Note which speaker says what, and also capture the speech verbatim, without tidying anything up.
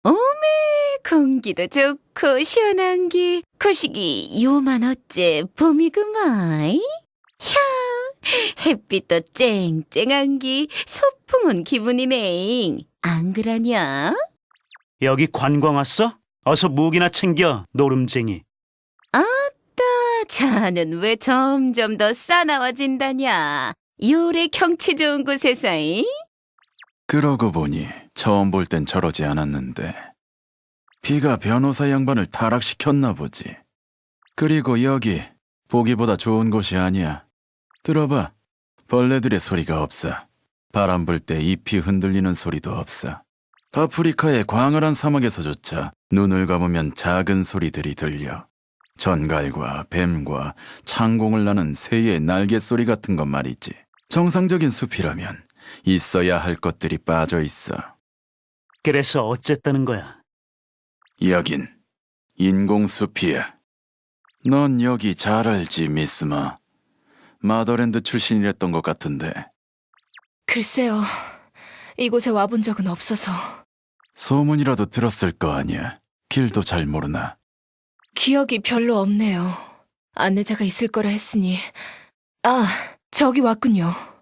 Speaker 1: 오메, 공기도 좋고 시원한 게 거시기 요만 어째 봄이구만. 향, 햇빛도 쨍쨍한 게 소풍 온 기분이네. 안 그러냐?
Speaker 2: 여기 관광 왔어? 어서 무기나 챙겨, 노름쟁이.
Speaker 1: 아따, 자는 왜 점점 더 싸나워진다냐? 요래 경치 좋은 곳에서잉?
Speaker 3: 그러고 보니 처음 볼 땐 저러지 않았는데 비가 변호사 양반을 타락시켰나 보지. 그리고 여기 보기보다 좋은 곳이 아니야. 들어봐. 벌레들의 소리가 없어. 바람 불 때 잎이 흔들리는 소리도 없어. 아프리카의 광활한 사막에서조차 눈을 감으면 작은 소리들이 들려. 전갈과 뱀과 창공을 나는 새의 날개 소리 같은 것 말이지. 정상적인 숲이라면 있어야 할 것들이 빠져 있어.
Speaker 2: 그래서 어쨌다는 거야?
Speaker 3: 여긴 인공숲이야. 넌 여기 잘 알지, 미스마. 마더랜드 출신이랬던 것 같은데.
Speaker 4: 글쎄요. 이곳에 와본 적은 없어서.
Speaker 3: 소문이라도 들었을 거 아니야. 길도 잘 모르나.
Speaker 4: 기억이 별로 없네요. 안내자가 있을 거라 했으니. 아, 저기 왔군요.